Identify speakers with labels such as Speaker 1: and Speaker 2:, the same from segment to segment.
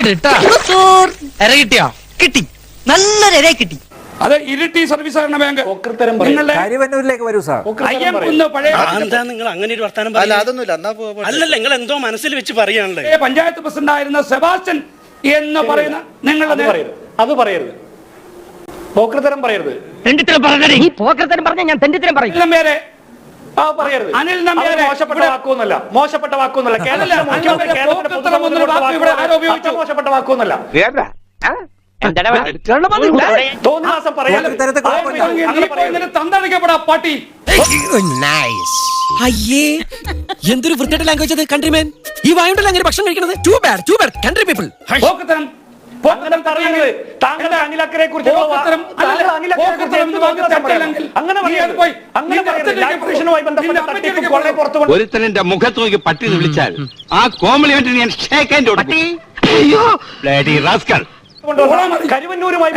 Speaker 1: കിട്ടിയോ? കിട്ടി, നല്ലൊരു ഇര കിട്ടി.
Speaker 2: അത് ഇരിട്ടി സർവീസ് സഹകരണ ബാങ്ക്
Speaker 3: കരിവന്നൂരിലേക്ക് വരൂ സാർ.
Speaker 4: നിങ്ങൾ അങ്ങനെ ഒരു വർത്താനം അല്ലല്ല, നിങ്ങൾ എന്തോ മനസ്സിൽ വെച്ച് പറയാണല്ലേ.
Speaker 2: പഞ്ചായത്ത് പ്രസിഡന്റ് ആയിരുന്ന സെബാസ്റ്റ്യൻ എന്ന് പറയുന്ന നിങ്ങളുടെ
Speaker 5: അത് പറയരുത്, പോക്കൃത്തരം പറയരുത്.
Speaker 1: പോക്കരത്തരം പറഞ്ഞ ഞാൻ തെണ്ടിത്തരം പറയും.
Speaker 5: പറയരുത്.
Speaker 2: അനിൽ നമ്പ്യാരെ
Speaker 5: മോശപ്പെട്ട വാക്കൊന്നുമല്ല. മോശപ്പെട്ട വാക്കൊന്നുമല്ല. തോന്നിവാസം പറയാതെ
Speaker 2: തന്തടിക്കപ്പെടാ പാട്ടി.
Speaker 6: അയ്യേ, എന്തൊരു വൃത്തിയുടെ ലാംഗ്വേജ് അത്. കൺട്രിമാൻ, ഈ വായുണ്ടല്ലോ അങ്ങനെ ഭക്ഷണം കഴിക്കുന്നത്. Too bad country people.
Speaker 5: താങ്കളുടെ അനിലക്കരെ കുറിച്ച്
Speaker 7: ഒരുത്തനെന്റെ മുഖത്ത് നോക്കി പട്ടി വിളിച്ചാൽ ആ കോംപ്ലിമെന്റ് ഞാൻ ഷേക്ക് ഹാൻഡ് കൊടുക്കും.
Speaker 5: കരുവന്നൂരുമായി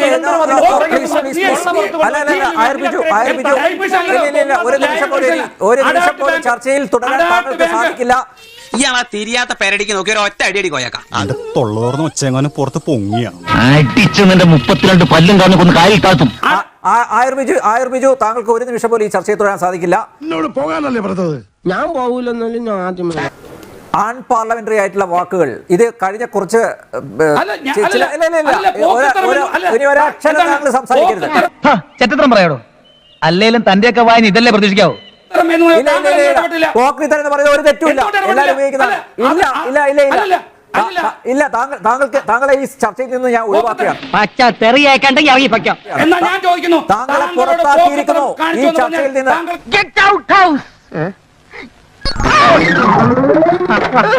Speaker 3: ഒരു നിമിഷം പോലും ചർച്ചയിൽ തുടരാൻ താങ്കൾക്ക് സാധിക്കില്ല.
Speaker 6: ഇയാളാ തിരിയാത്ത പേരടിക്ക് നോക്കി ഒരു ഒറ്റ അടി കൊയ്യാക്കാം.
Speaker 8: അത് തൊള്ളോർന്ന് ഒച്ചെങ്ങാനും പുറത്ത് പൊങ്ങിയാണ്.
Speaker 7: അടിച്ച് നിന്റെ 32 പല്ലും കാണുന്ന കാലിൽ താത്തും.
Speaker 3: ആയുർബിജു, താങ്കൾക്ക് ഒരു നിമിഷം പോലും ഈ ചർച്ചയിൽ തുടരാൻ സാധിക്കില്ല.
Speaker 8: പോകാനല്ലേ പറഞ്ഞത്?
Speaker 6: ഞാൻ പോകൂലെന്നാലും ഞാൻ ആദ്യം
Speaker 3: ആൺ പാർലമെന്ററി ആയിട്ടുള്ള വാക്കുകൾ ഇത് കഴിഞ്ഞ കുറച്ച് സംസാരിക്കരുത്.
Speaker 1: ചെറ്റത്രം പറയാടോ, അല്ലേലും തന്റെയൊക്കെ വായന ഇതല്ലേ പ്രതീക്ഷിക്കാവോ?
Speaker 3: പോക്രിത്തരം എന്ന് പറയുന്നത് ഒരു തെറ്റുമില്ല, എല്ലാവരും ഉപയോഗിക്കുന്നതാണ്. ഇല്ല, താങ്കളെ ഈ ചർച്ചയിൽ നിന്ന് ഞാൻ ഒഴിവാക്കുകയാണ്. താങ്കളെ പുറത്താക്കിയിരിക്കുന്നു ഈ ചർച്ചയിൽ നിന്ന്.